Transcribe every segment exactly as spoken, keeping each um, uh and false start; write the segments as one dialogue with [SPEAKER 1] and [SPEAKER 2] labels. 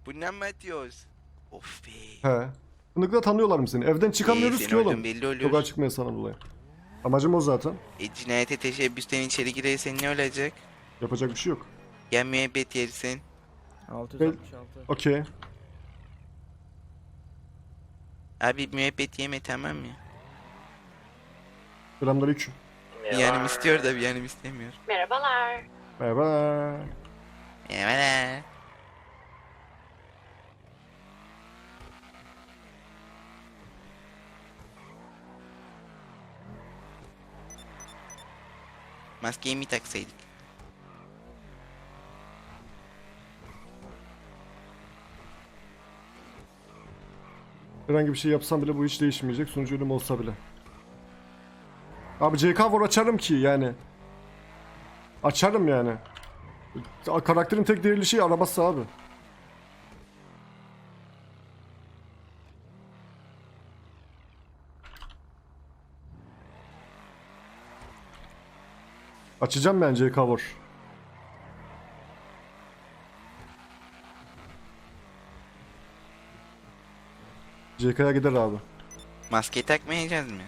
[SPEAKER 1] Bundan mı atıyoruz? Of be.
[SPEAKER 2] He. Fındıkla tanıyorlar mı seni? Evden çıkamıyoruz
[SPEAKER 1] Ee,
[SPEAKER 2] ki
[SPEAKER 1] sen
[SPEAKER 2] oğlum.
[SPEAKER 1] oradan belli oluyor.
[SPEAKER 2] Sokağa çıkmaya sana dolayı. Amacım o zaten.
[SPEAKER 1] E, cinayete teşebbüsten içeri girersen ne olacak?
[SPEAKER 2] Yapacak bir şey yok.
[SPEAKER 1] Ya müebbet yersin.
[SPEAKER 2] Ve...
[SPEAKER 3] altı yüz altmış altı.
[SPEAKER 2] Okey.
[SPEAKER 1] Abi müebbet yeme, tamam mı?
[SPEAKER 2] Selamünaleyküm.
[SPEAKER 1] Bir yanım istiyor da bir yanım istemiyor.
[SPEAKER 4] Merhabalar.
[SPEAKER 2] Merhaba.
[SPEAKER 1] Merhaba. Maskeyi mi taksaydık?
[SPEAKER 2] Herhangi bir şey yapsam bile bu hiç değişmeyecek. Sonucu ölüm olsa bile. Abi C K var açarım ki yani. Açarım yani. Karakterin tek değerli şey arabası abi. Açacağım ben C K var. C K'ya gider abi.
[SPEAKER 1] Maskeyi takmayacağız mı?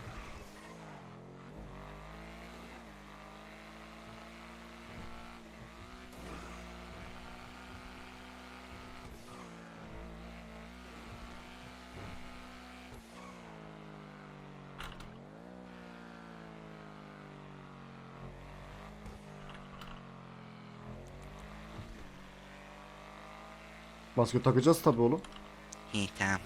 [SPEAKER 2] Maske takacağız tabii oğlum.
[SPEAKER 1] İyi, tamam.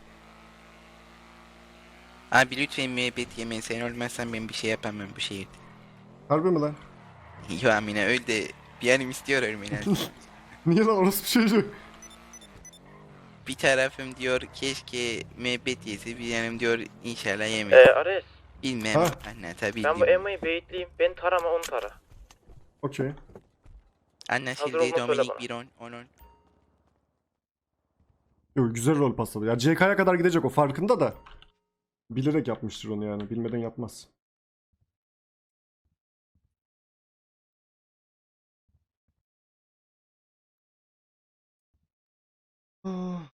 [SPEAKER 1] Abi lütfen müebbet yeme, sen olmazsan ben bir şey yapamam bu şehirde.
[SPEAKER 2] Harbi mi lan?
[SPEAKER 1] Yo Amine, öyle de bir yanım istiyor ölmeyi.
[SPEAKER 2] Niye lan orası bir şey yok.
[SPEAKER 1] Bir tarafım diyor keşke müebbet yese, bir yanım diyor inşallah yemez.
[SPEAKER 5] Ee, Ares,
[SPEAKER 1] Bilmem,
[SPEAKER 2] Ha?
[SPEAKER 1] anlatabildim.
[SPEAKER 5] ben bu Emma'yı beyitleyeyim. Ben tarama onu tara.
[SPEAKER 2] Okey.
[SPEAKER 1] Anlaşıldı.
[SPEAKER 5] Hazır olma söyle
[SPEAKER 1] Dominik
[SPEAKER 5] bana.
[SPEAKER 1] bir on, on on.
[SPEAKER 2] Yok, güzel rol pasladı. Ya C K'ya kadar gidecek, o farkında da. Bilerek yapmıştır onu yani. Bilmeden yapmaz. Ah.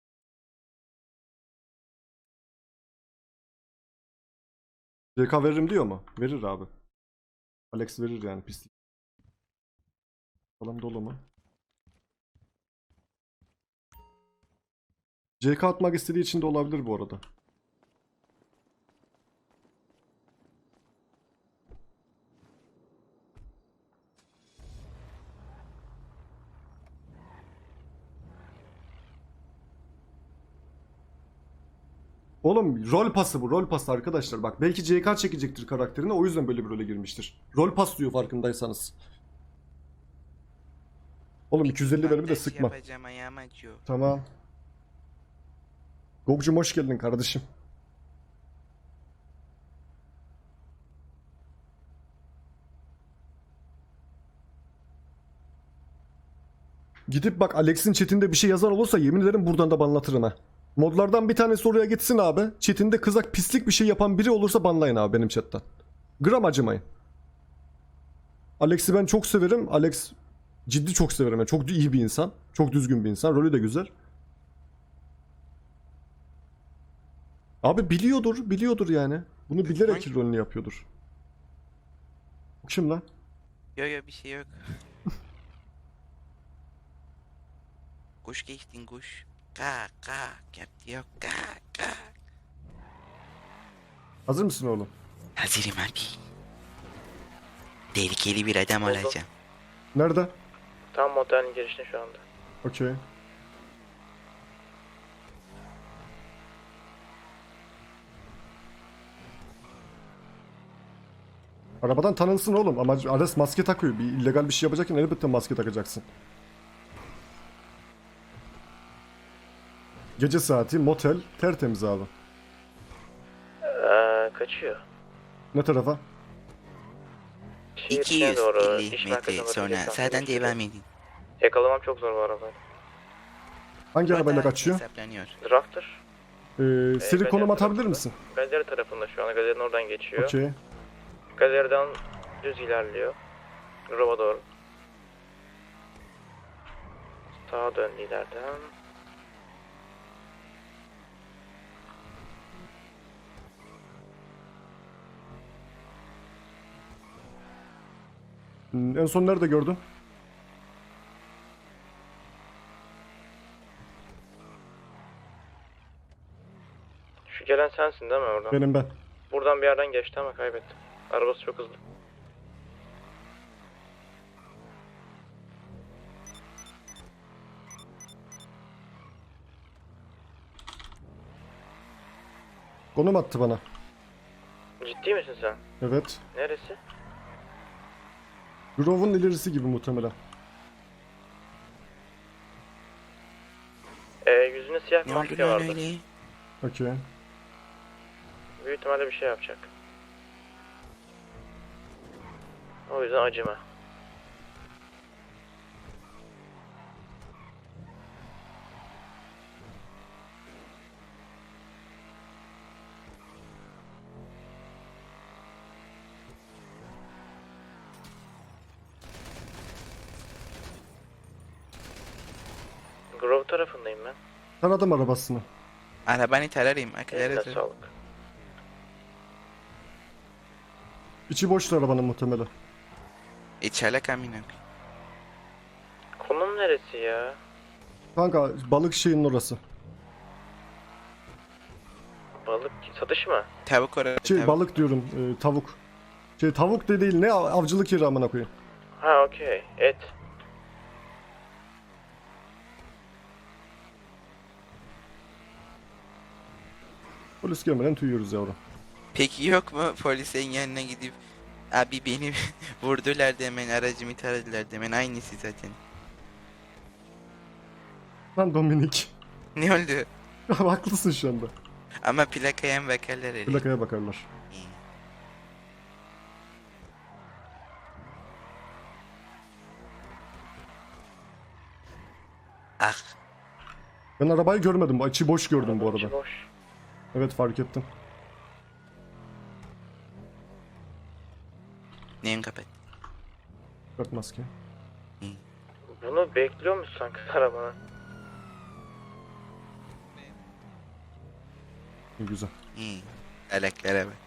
[SPEAKER 2] C K veririm diyor mu? Verir abi. Alex verir yani, pislik. Falan dolu mu? C K atmak istediği için de olabilir bu arada. Oğlum rol pası bu, rol pası arkadaşlar. Bak belki C K çekecektir karakterine, o yüzden böyle bir role girmiştir. Rol pas diyor farkındaysanız. Oğlum iki yüz elli verimi de
[SPEAKER 1] Bandaj
[SPEAKER 2] sıkma.
[SPEAKER 1] yapacağım, ayağım acıyor.
[SPEAKER 2] Tamam. Gogcum hoş geldin kardeşim. Gidip bak, Alex'in chatinde bir şey yazan olursa yemin ederim buradan da banlatırım ha. Modlardan bir tanesi oraya gitsin abi. Chatinde kızak pislik bir şey yapan biri olursa banlayın abi benim chatten. Gram acımayın. Alex'i ben çok severim. Alex ciddi çok severim. Yani çok iyi bir insan. Çok düzgün bir insan. Rolü de güzel. Abi biliyordur. Biliyordur yani. Bunu bilerek
[SPEAKER 1] Hangi-
[SPEAKER 2] rolünü yapıyordur. Bu kim lan?
[SPEAKER 1] Yok yok, bir şey yok. Kuş geçtin kuş. Kak kak yaptı, yok kak kak.
[SPEAKER 2] Hazır mısın oğlum?
[SPEAKER 1] Hazırım abi. Tehlikeli bir adam
[SPEAKER 5] Oldu.
[SPEAKER 1] olacağım.
[SPEAKER 2] Nerede?
[SPEAKER 5] Tam motelin girişinde şu anda.
[SPEAKER 2] Okey. Arabadan tanınsın oğlum, ama Ares maske takıyor. Bir illegal bir şey yapacakken elbette maske takacaksın. Gece saati, motel, tertemiz abi.
[SPEAKER 5] Ee, kaçıyor.
[SPEAKER 2] Ne tarafa?
[SPEAKER 5] Şehir içine doğru,
[SPEAKER 1] iki yüz elli
[SPEAKER 5] iş
[SPEAKER 1] metre
[SPEAKER 5] merkezine doğru
[SPEAKER 1] sonra
[SPEAKER 5] gideceksen
[SPEAKER 1] sağdan
[SPEAKER 5] sürüyor.
[SPEAKER 1] devam edin.
[SPEAKER 5] Yakalamam çok zor bu arabayla.
[SPEAKER 2] Hangi arabayla
[SPEAKER 1] Burada
[SPEAKER 2] kaçıyor?
[SPEAKER 1] hesaplanıyor.
[SPEAKER 5] Drafter.
[SPEAKER 2] Ee, seri
[SPEAKER 5] ben
[SPEAKER 2] konum
[SPEAKER 5] yaptım
[SPEAKER 2] atabilir
[SPEAKER 5] burada.
[SPEAKER 2] misin?
[SPEAKER 5] Galeri tarafında şu anda. Galerinin oradan geçiyor.
[SPEAKER 2] Okey.
[SPEAKER 5] Galeriden düz ilerliyor. Grova doğru. Sağa döndü ileriden.
[SPEAKER 2] Hmm, en son nerede gördün?
[SPEAKER 5] Şu gelen sensin değil mi oradan?
[SPEAKER 2] Benim ben.
[SPEAKER 5] Buradan bir yerden geçti ama kaybettim. Arabası çok hızlı.
[SPEAKER 2] Konum attı bana.
[SPEAKER 5] Ciddi misin sen?
[SPEAKER 2] Evet.
[SPEAKER 5] Neresi?
[SPEAKER 2] Grove'un ilerisi gibi muhtemelen.
[SPEAKER 5] Ee, yüzüne siyah bir
[SPEAKER 1] Ne oldu
[SPEAKER 5] maske
[SPEAKER 1] lan
[SPEAKER 5] vardı.
[SPEAKER 1] öyle?
[SPEAKER 2] Okey.
[SPEAKER 5] Büyük ihtimalle bir şey yapacak. O yüzden acıma. Grove tarafındayım ben.
[SPEAKER 2] Taradım arabasını.
[SPEAKER 1] Arabanı tararım. Akılları
[SPEAKER 5] Eline
[SPEAKER 1] sır.
[SPEAKER 5] sağlık.
[SPEAKER 2] İçi boştu arabanın muhtemelen.
[SPEAKER 1] İçerle kamino.
[SPEAKER 5] Konum neresi ya?
[SPEAKER 2] Kanka balık şeyinin orası.
[SPEAKER 5] Balık satış mı?
[SPEAKER 1] Tavuk orada.
[SPEAKER 2] Şey
[SPEAKER 1] tavuk.
[SPEAKER 2] balık diyorum e, tavuk. Şey tavuk de değil ne av- avcılık yeri amına koyayım.
[SPEAKER 5] Ha okey. Et.
[SPEAKER 2] Polis gelmeden tüyüyoruz yavrum.
[SPEAKER 1] Peki yok mu polisin yanına gidip abi beni vurdular demen, aracımı taradılar demen, aynısı zaten.
[SPEAKER 2] Lan Dominik.
[SPEAKER 1] Ne oldu?
[SPEAKER 2] Haklısın şu anda.
[SPEAKER 1] Ama plakaya mı bakarlar öyle?
[SPEAKER 2] Plakaya bakarlar.
[SPEAKER 1] İyi. Ah,
[SPEAKER 2] Ben arabayı görmedim. İçi boş gördüm bu
[SPEAKER 5] İçi
[SPEAKER 2] arada.
[SPEAKER 5] boş.
[SPEAKER 2] Evet fark ettim.
[SPEAKER 1] neyin kapat?
[SPEAKER 2] Bak maske.
[SPEAKER 5] Bunu bekliyor musun sanki arabana?
[SPEAKER 2] İyi güzel.
[SPEAKER 1] İyi. Alaklara bak.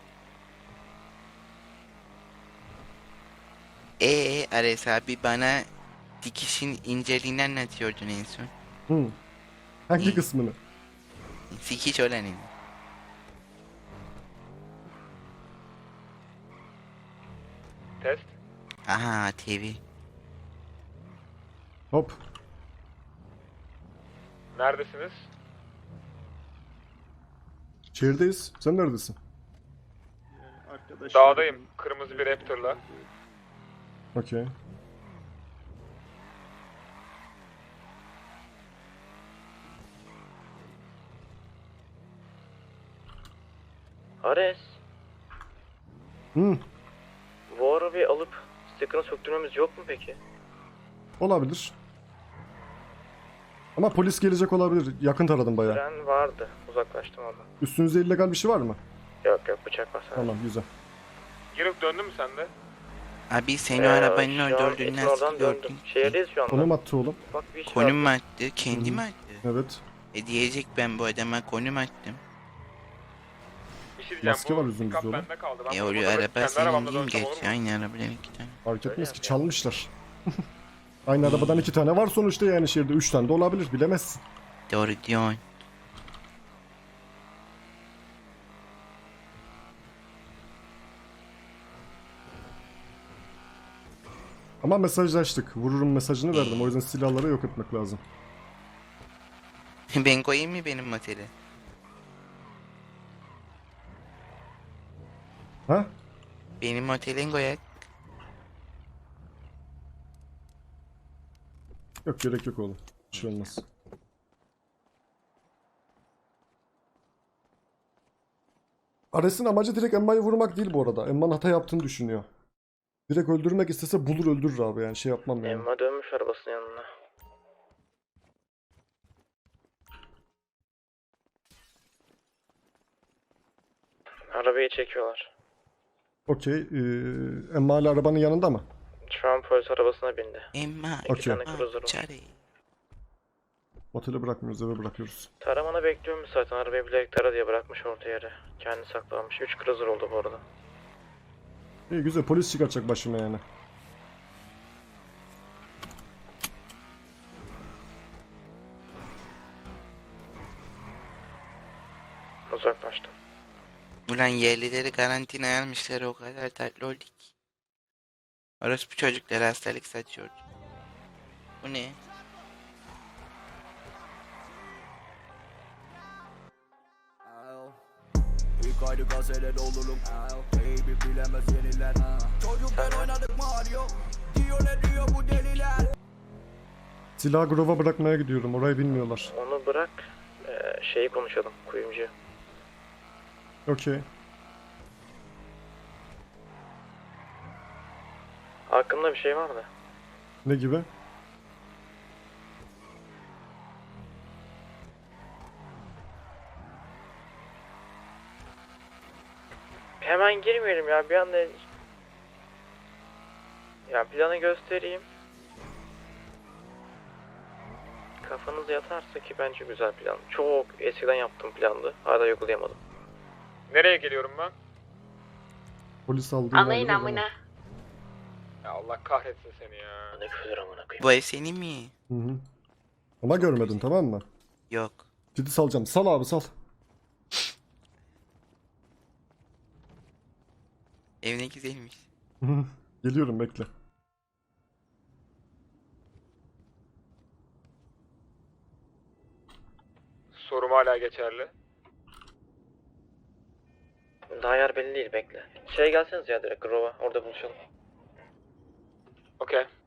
[SPEAKER 1] Eee Ares abi bana dikişin inceliğini anlatıyordun en son.
[SPEAKER 2] Hı. Hangi
[SPEAKER 1] İyi.
[SPEAKER 2] kısmını?
[SPEAKER 1] Sikiş olanın.
[SPEAKER 3] Test.
[SPEAKER 1] Aha T V.
[SPEAKER 2] Hop.
[SPEAKER 3] Neredesiniz?
[SPEAKER 2] Şehirdeyiz. Sen neredesin?
[SPEAKER 3] Dağdayım. Kırmızı bir Raptor'la.
[SPEAKER 2] Okey.
[SPEAKER 5] Ares.
[SPEAKER 2] Hı.
[SPEAKER 5] Bu arabayı alıp sticker'ını söktürmemiz yok mu peki?
[SPEAKER 2] Olabilir. Ama polis gelecek olabilir. Yakın taradım bayağı.
[SPEAKER 5] Ben vardı. Uzaklaştım oradan.
[SPEAKER 2] Üstünüzde illegal bir şey var mı?
[SPEAKER 5] Yok yok bıçak var sadece.
[SPEAKER 2] Tamam güzel.
[SPEAKER 3] Girip döndün mü sen de?
[SPEAKER 1] Abi seni
[SPEAKER 5] Ee,
[SPEAKER 1] arabanın
[SPEAKER 5] şu
[SPEAKER 1] orada
[SPEAKER 5] an
[SPEAKER 1] olduğunu
[SPEAKER 5] Etin
[SPEAKER 1] nasıl
[SPEAKER 5] oradan döndüm.
[SPEAKER 1] gördün?
[SPEAKER 5] Şehirdeyiz şu anda.
[SPEAKER 2] Konum attı oğlum.
[SPEAKER 5] Bak bir iş
[SPEAKER 1] Konum mu
[SPEAKER 5] var.
[SPEAKER 1] attı? Kendi mi attı?
[SPEAKER 2] Evet.
[SPEAKER 1] E diyecek ben bu adama konum attım.
[SPEAKER 3] Bir şey diyeceğim.
[SPEAKER 2] Maske
[SPEAKER 3] bu
[SPEAKER 2] var yüzümüzde
[SPEAKER 3] pick-up
[SPEAKER 2] oğlum.
[SPEAKER 3] bende kaldı. Ben
[SPEAKER 1] E
[SPEAKER 3] bunu
[SPEAKER 1] oraya
[SPEAKER 3] burada
[SPEAKER 1] araba
[SPEAKER 3] kendi
[SPEAKER 1] senin
[SPEAKER 3] arabamda
[SPEAKER 1] değil mi
[SPEAKER 3] dönsem olur
[SPEAKER 1] gerçi?
[SPEAKER 3] mu?
[SPEAKER 1] Aynı arabadan iki tane.
[SPEAKER 2] Fark etmez
[SPEAKER 5] Öyle
[SPEAKER 2] ki
[SPEAKER 5] yap.
[SPEAKER 2] çalmışlar. Aynı arabadan iki tane var sonuçta yani şehirde. Üç tane de olabilir bilemezsin.
[SPEAKER 1] Doğru diyorsun.
[SPEAKER 2] Ama mesajlaştık. Vururum mesajını verdim. O yüzden silahları yok etmek lazım.
[SPEAKER 1] Ben koyayım mı benim motele?
[SPEAKER 2] Ha?
[SPEAKER 1] Benim motelin koyak.
[SPEAKER 2] Yok gerek yok oğlum. Bir şey olmaz. Ares'in amacı direkt Emma'yı vurmak değil bu arada. Emma'nın hata yaptığını düşünüyor. Direkt öldürmek istese bulur öldürür abi yani şey yapmam yani.
[SPEAKER 5] Emma dönmüş arabasının yanına. Arabayı çekiyorlar.
[SPEAKER 2] Okey. Ee, Emma hala arabanın yanında mı?
[SPEAKER 5] Şu an polis arabasına bindi.
[SPEAKER 1] Emma.
[SPEAKER 5] İki
[SPEAKER 2] Okey.
[SPEAKER 5] tane cruiser var.
[SPEAKER 1] Çare.
[SPEAKER 2] Otele bırakmıyoruz eve bırakıyoruz.
[SPEAKER 5] Taramanı bekliyormuş zaten. Arabayı bilerek tara diye bırakmış orta yere. Kendi saklanmış. Üç cruiser oldu bu arada.
[SPEAKER 2] İyi güzel polis çıkartacak başıma yani.
[SPEAKER 5] uzaklaştım.
[SPEAKER 1] Ulan yerlileri karantinaya almışlar, o kadar tatlı oldu ki. Orospu çocuklara hastalık saçıyordu. Bu ne?
[SPEAKER 4] İlk aydı gazeler olurum. Baby bilemez yeniler. Çocukken oynadık Mario. Diyor ne diyor bu deliler.
[SPEAKER 2] Silahı grova bırakmaya gidiyorum. Orayı bilmiyorlar.
[SPEAKER 5] Onu bırak. Ee, şeyi konuşalım. Kuyumcu.
[SPEAKER 2] Okey.
[SPEAKER 5] Hakkında bir şey var mı?
[SPEAKER 2] Ne gibi?
[SPEAKER 5] Hemen girmeyelim ya, bir anda. Ya planı göstereyim. Kafanız yatarsa ki bence güzel plan. Çok eskiden yaptığım plandı. Hala uygulayamadım.
[SPEAKER 3] Nereye geliyorum ben?
[SPEAKER 2] Polis aldı.
[SPEAKER 6] Alayın
[SPEAKER 2] ileride
[SPEAKER 6] amına.
[SPEAKER 3] Ya Allah kahretsin seni ya.
[SPEAKER 5] Ne küfür amına koyayım.
[SPEAKER 1] Bu ev senin mi?
[SPEAKER 2] Hı hı. Ama görmedin, tamam mı?
[SPEAKER 1] Yok.
[SPEAKER 2] Ciddi salacağım. Sal abi, sal.
[SPEAKER 1] Ev ne güzelmiş.
[SPEAKER 2] Hı hı. Geliyorum, bekle.
[SPEAKER 3] Sorum hala geçerli.
[SPEAKER 5] Daha yer belli değil, bekle. Şey gelseniz ya, direkt Grova, orada buluşalım.
[SPEAKER 3] Okey.